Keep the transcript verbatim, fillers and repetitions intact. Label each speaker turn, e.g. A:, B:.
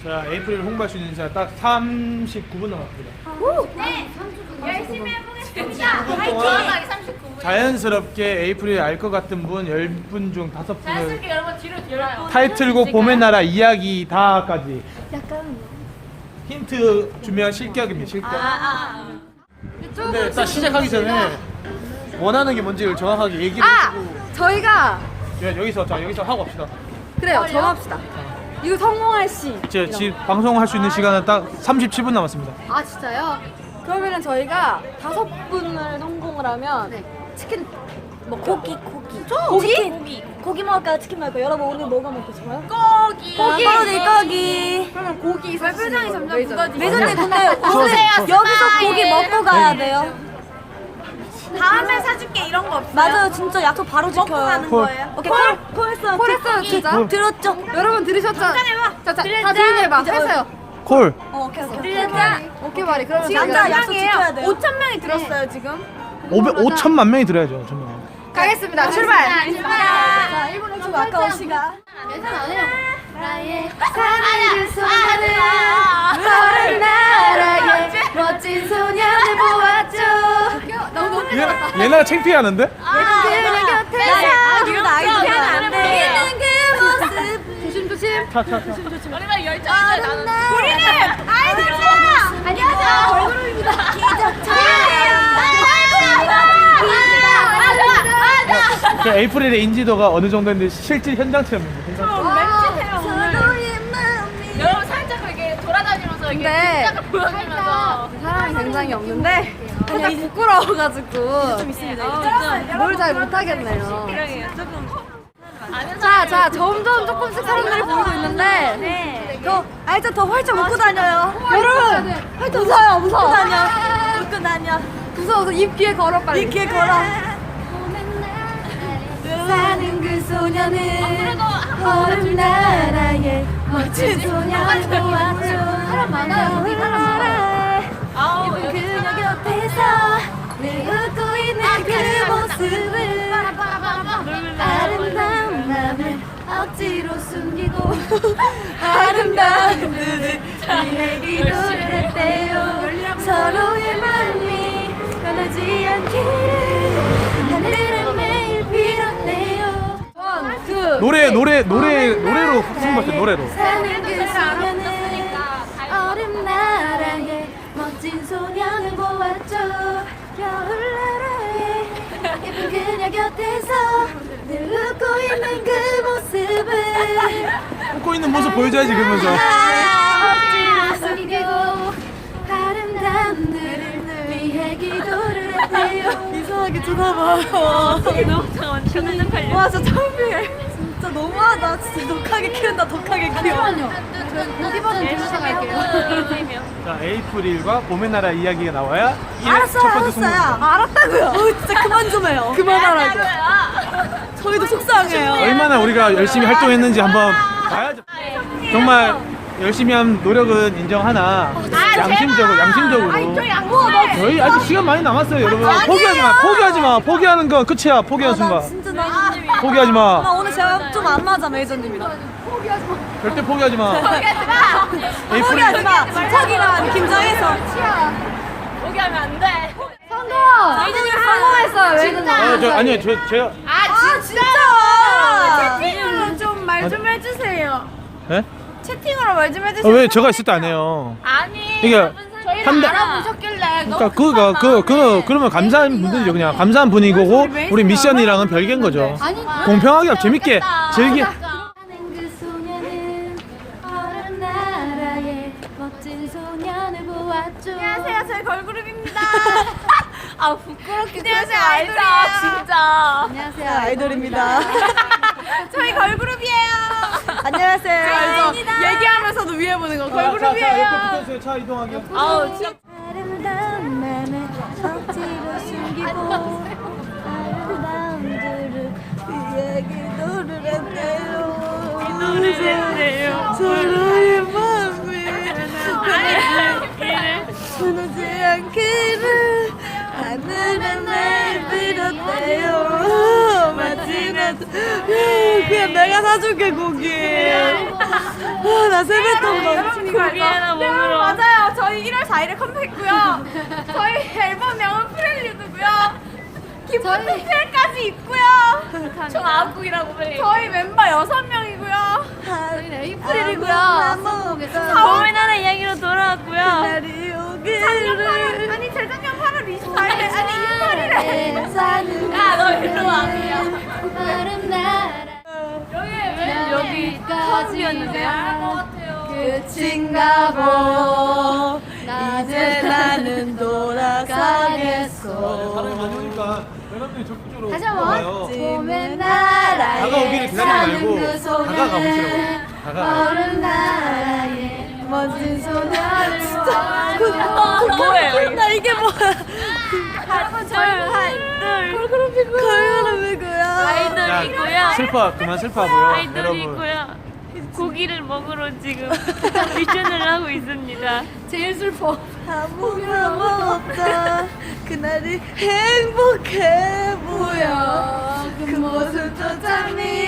A: 자, 에이프릴 홍보할 수 있는 시간 딱 삼십구 분 남았습니다.
B: 네, 열심히 해보겠습니다. 화이팅! 삼십구 분.
A: 자연스럽게 에이프릴 알 것 같은 분 열 분 중 다섯 분을
B: 자연스럽게 여러분 뒤로 뒤로요.
A: 타이틀곡 봄의 나라 이야기 다까지
C: 약간
A: 힌트 주면 실격입니다. 실격.
B: 아, 아.
A: 근데 일단 시작하기 전에 원하는 게 뭔지를 정확하게 얘기를
C: 아!
A: 해주고
C: 저희가
A: 여- 여기서 자 여기서 하고 갑시다.
C: 그래요. 정합시다. 이거 성공할 시.
A: 제 지금 방송할 수 있는 시간은 딱 삼십칠 분 남았습니다.
C: 아 진짜요? 그러면은 저희가 다섯 분을 성공을 하면 치킨 뭐 고기 고기 고기 고기 고기 먹을까요? 치킨 먹을까요? 여러분 오늘 뭐가 먹고 싶어요?
B: 고기.
C: 고기 고기. 그러면 고기
B: 발표장이 점점 굳어지고
C: 매선님 근데 오늘
B: 주세요,
C: 여기서
B: 스마일.
C: 고기 먹고 가야 돼요.
B: 다음에 사줄게 이런 거 없어요?
C: 맞아요. 진짜 약속 바로 지켜요.
B: 먹고 가는
A: 콜.
B: 거예요?
C: 오케이 콜 콜했어요. 콜했어요 진짜.
A: 콜.
C: 들었죠? 여러분 들으셨죠?
B: 해봐.
C: 자, 자, 다 조용히 해봐. 했어요.
A: 콜.
C: 어, 오케이 오케이.
B: 들렸다.
C: 오케이 말이. 그러면
B: 지금
C: 남자
B: 몇
C: 약속 지켜야
B: 명이에요?
C: 돼요.
B: 오천 명이 들었어요 지금.
A: 오백 오천만 명이 들어야죠. 천만.
C: 가겠습니다. 출발.
B: 출발.
C: 자, 일 분 일 초 아까운 시간.
B: 계산 안 해요. 나의
C: 사는 그 소녀는
B: 너를
C: 나라의 멋진 소년을 보았죠. 너무
A: 얘 얘네가 창피하는데?
C: 그녀 곁에서
B: 이런 아이돌 안 돼.
C: 있는 그 모습. 조심 조심.
A: 차차차.
B: 우리가 열정이 나는. 우리는 아이돌이야. 안녕하세요. 걸그룹입니다.
A: 그 에이프릴의 인지도가 어느 정도인데 실제 현장 체험입니다.
B: 여러분 살짝 이렇게 돌아다니면서 이게
C: 근데
B: 진짜가 보여주면서
C: 사람이 굉장히 없는데 살짝 부끄러워가지고 좀 있습니다. 뭘 잘 못하겠네요. 자, 자, 점점 조금씩 사람들이 보이고 있는데 더, 아, 일단 더 활짝 웃고 다녀요. 여러분, 활짝 웃어요, 무서워. 웃고 다녀. 웃고 다녀. 무서워서 입 귀에 걸어, 빨리. 입 귀에 걸어. 사는 그 소녀는 얼음 나라의 멋진 소녀를 보았죠. 사람 많아요, 여기 사람 많아요.
B: 아우
C: 예쁜 그녀 곁에서 늘 웃고 있는 그 모습을 아름다운 맘을 억지로 숨기고 아름다운 눈을 위해 기도를 했대요. 서로의 마음이 변하지 않기를 하늘은 매일 빌었네요. 그
A: 노래 노래 노래 노래로 승부했어요. 노래로.
C: 사는 그 소녀는 얼음 나라의 멋진 소년을 보았죠. 겨울나라의 예쁜 그녀 곁에서 늘 웃고 있는 그 모습을
A: 웃고 있는 모습 보여줘야지 그러면서.
C: 억지로 숨기고 아름다운 들을 위해 기도를 했대요. 이상하게 쳐다봐요. 와 진짜 창피해. 진짜 너무하다. 진짜 독하게 키운다. 독하게 키워. 고기 버전 들으셔 갈게요.
A: 자, 에이프릴과 봄의 나라 이야기가 나와야 일
C: 알았어요,
A: 첫 번째 승부.
C: 알았어요. 알았다고요. 어, 진짜 그만 좀 해요. 그만하라고. 저희도 속상해요.
A: 얼마나 우리가 열심히 활동했는지 한번 봐야죠. 정말 열심히 한 노력은 인정하나 양심적으로 양심적으로 저희 아직 시간 많이 남았어요. 여러분 포기하지 마. 포기하지 마. 포기하는 건 끝이야. 포기하는
C: 나
A: 순간
C: 진짜 나
A: 포기하지
C: 엄마
A: 마.
C: 오늘 제가 좀 안 맞아 메이저님이랑.
A: 절대 포기하지 마. 에이프릴
C: 포기하지 마. 집착이란 김정혜서.
B: 포기하면 안 돼.
C: 성공. 메이저님 성공했어요. 메이저님.
A: 아, 저 아니요. 저 제가
B: 아
C: 진짜.
B: 채팅으로 좀 말 좀 해주세요.
A: 예?
B: 채팅으로 말 좀
A: 아,
B: 해주세요.
A: 왜 제가 있을 때 안 해요?
B: 아니.
A: 이게
B: 저희를
A: 한 달-
B: 알아보셨길래.
A: 그러니까 그거 그, 그 그러면 감사한 분들이죠. 그냥 감사한 분이고 우리 미션이랑은 별개인 거죠. 공평하게 재밌게 즐기.
C: 그 소녀는 얼음 나라의 멋진 소년을 보았죠.
B: 안녕하세요. 저희 걸그룹입니다. 아 부끄럽게 그러지 말자 진짜.
C: 안녕하세요. 아이돌입니다.
B: 저희 걸그룹이에요.
C: 안녕하세요.
B: 알죠? 얘기하면서도 위에 보는 거 걸그룹이에요.
A: 붙어주세요. 차 이동하게.
B: 아우 진짜.
C: 아름다운 맘을 억지로 숨기고 아름다운 들을 위해 기도를 했대요.
B: 기도를
C: 서로의 마음이 변하지 않기를 하늘은 날 빌었대요. 마지막 그냥 내가 사줄게 고기. 나 세뱃돈
B: 여러분 이거
D: 고기에나 먹으러.
B: 맞아요. 저희 일월 사일에 컴백했고요. 저희 앨범명은 프렐류드고요. 기쁜 특필까지 있고요.
D: 총 아홉 곡이라고 빨리.
B: 저희 멤버 여섯 명이고요.
C: 저희는 에이프릴이고요.
D: 봄의 나라 이야기로 돌아왔고요.
B: 작년 아니 재작년 팔월 이십사일에 아니 이십팔일에
D: 야, 너 일로 와.
C: 왜
D: 여기 커지였는데요?
C: 끝인가 보 이제 나는 돌아가겠어.
A: 사람이 많이 오니까 여러분들이 적극적으로
C: 다시
A: 와요.
C: 한번 봄의 나라에
A: 다가오기를 기다리지 말고
C: 사는 그 소녀는
A: 다가가 보시라고. 다가가.
C: 어른 나라에 멋진 소녀를 진짜
D: 뭐예요, 이거?
C: 나 이게 뭐야.
D: 하나, 둘, 하나, 둘.
C: 걸그룹이고요.
D: 아이돌 있고요.
A: 슬퍼 그만 슬퍼하고요.
D: 아이돌이
A: 여러분.
D: 있고요. 고기를 먹으러 지금 미션을 하고 있습니다.
C: 제일 슬퍼. 아무 말 없다. 그날이 행복해 보여. 그 모습도 참